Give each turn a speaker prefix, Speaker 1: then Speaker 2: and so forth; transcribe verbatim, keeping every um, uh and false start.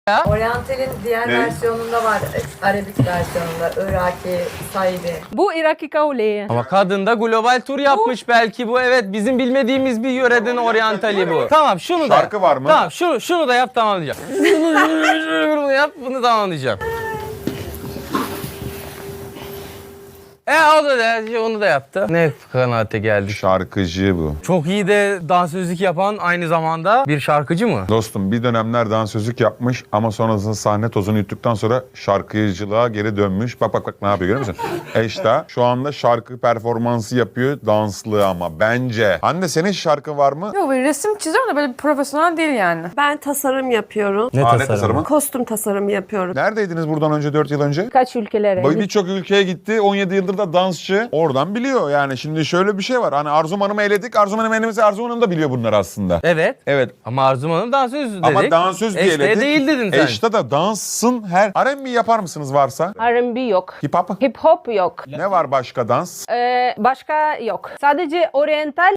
Speaker 1: ya.
Speaker 2: Oriental'in diğer
Speaker 3: Ne?
Speaker 2: versiyonunda var. Arabik versiyonunda. Iraki, Saidi.
Speaker 4: Bu Iraki kavli.
Speaker 1: Ama kadın da global tur yapmış belki bu. Evet, bizim bilmediğimiz bir yöreden oryantali bu. Tamam, şunu da.
Speaker 3: Şarkı var mı?
Speaker 1: Tamam, şunu, şunu da yap, tamamlayacağım. Bunu yap, bunu tamamlayacağım. E o da de, onu da yaptı. Ne kanaate geldik.
Speaker 3: Şarkıcı bu.
Speaker 1: Çok iyi de dansözlük yapan aynı zamanda bir şarkıcı mı?
Speaker 3: Dostum bir dönemler dansözlük yapmış ama sonrasında sahne tozunu yuttuktan sonra şarkıcılığa geri dönmüş. Bak bak bak ne yapıyor görüyor musun? Eşta şu anda şarkı performansı yapıyor, danslı ama bence. Anne senin şarkı var mı?
Speaker 4: Yok, böyle resim çiziyorum da böyle profesyonel değil yani.
Speaker 5: Ben tasarım yapıyorum.
Speaker 1: Ne
Speaker 3: Alet tasarımı.
Speaker 5: Kostüm tasarımı yapıyorum.
Speaker 3: Neredeydiniz buradan önce dört yıl önce?
Speaker 4: Kaç ülkelere?
Speaker 3: Bak birçok ülkeye gitti. on yedi yıldır da dansçı. Oradan biliyor yani. Şimdi şöyle bir şey var. Hani Arzum Hanım'ı eledik. Arzum Hanım elimize Arzum Hanım da biliyor bunları aslında.
Speaker 1: Evet.
Speaker 3: Evet.
Speaker 1: Ama Arzum Hanım dansöz dedik.
Speaker 3: Ama dansöz diye
Speaker 1: Eşte
Speaker 3: eledik.
Speaker 1: değil dedin sen.
Speaker 3: Eşte de dansın her... R and B yapar mısınız varsa?
Speaker 4: R and B yok.
Speaker 3: Hip hop?
Speaker 4: Hip hop yok.
Speaker 3: Ne var başka dans?
Speaker 4: Ee, başka yok. Sadece oriental